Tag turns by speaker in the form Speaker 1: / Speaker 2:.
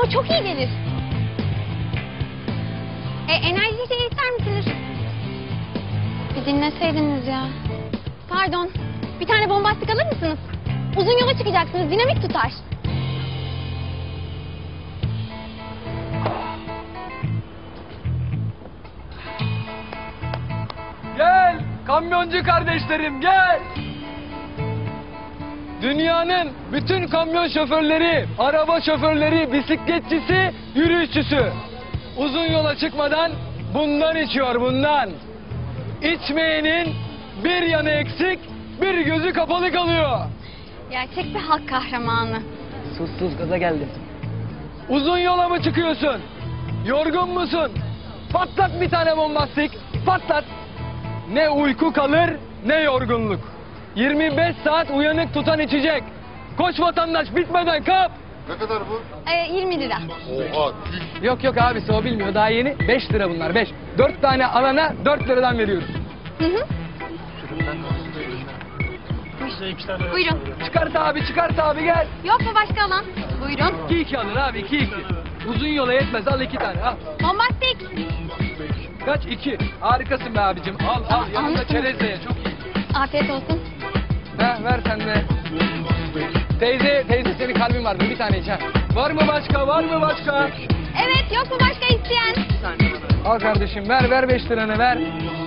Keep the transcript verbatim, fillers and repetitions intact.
Speaker 1: Ama çok iyi gelir. E, enerji şey ister misiniz? Bir dinleseydiniz ya. Pardon. Bir tane bombastik alır mısınız? Uzun yola çıkacaksınız. Dinamik tutar.
Speaker 2: Gel kamyoncu kardeşlerim gel. Dünyanın bütün kamyon şoförleri, araba şoförleri, bisikletçisi, yürüyüşçüsü uzun yola çıkmadan bundan içiyor bundan. İçmeyenin bir yanı eksik, bir gözü kapalı kalıyor.
Speaker 1: Gerçek bir halk kahramanı.
Speaker 2: Sus sus gaza geldim. Uzun yola mı çıkıyorsun? Yorgun musun? Patlat bir tane bombastik, patlat. Ne uyku kalır ne yorgunluk. yirmi beş saat uyanık tutan içecek. Koş vatandaş bitmeden kap.
Speaker 3: Ne kadar bu?
Speaker 1: E, yirmi lira.
Speaker 3: Oha.
Speaker 2: Yok yok abisi o bilmiyor daha yeni. beş lira bunlar beş. dört tane alana dört liradan veriyoruz.
Speaker 1: Hı hı. Buyurun.
Speaker 2: Çıkart abi çıkart abi gel.
Speaker 1: Yok mu başka alan? Buyurun.
Speaker 2: iki iki alır abi iki iki. Uzun yola yetmez al iki tane al.
Speaker 1: Bombastik.
Speaker 2: Kaç iki. Harikasın be abicim. Al al yanında
Speaker 1: Anladım.
Speaker 2: çerez de ye, çok iyi.
Speaker 1: Afiyet olsun.
Speaker 2: Ha ver sen de. Teyze teyze senin kalbin var mı? Bir tane iç ha. Var mı başka var mı başka?
Speaker 1: Evet, yok mu başka isteyen?
Speaker 2: Al kardeşim ver ver beş liranı ver.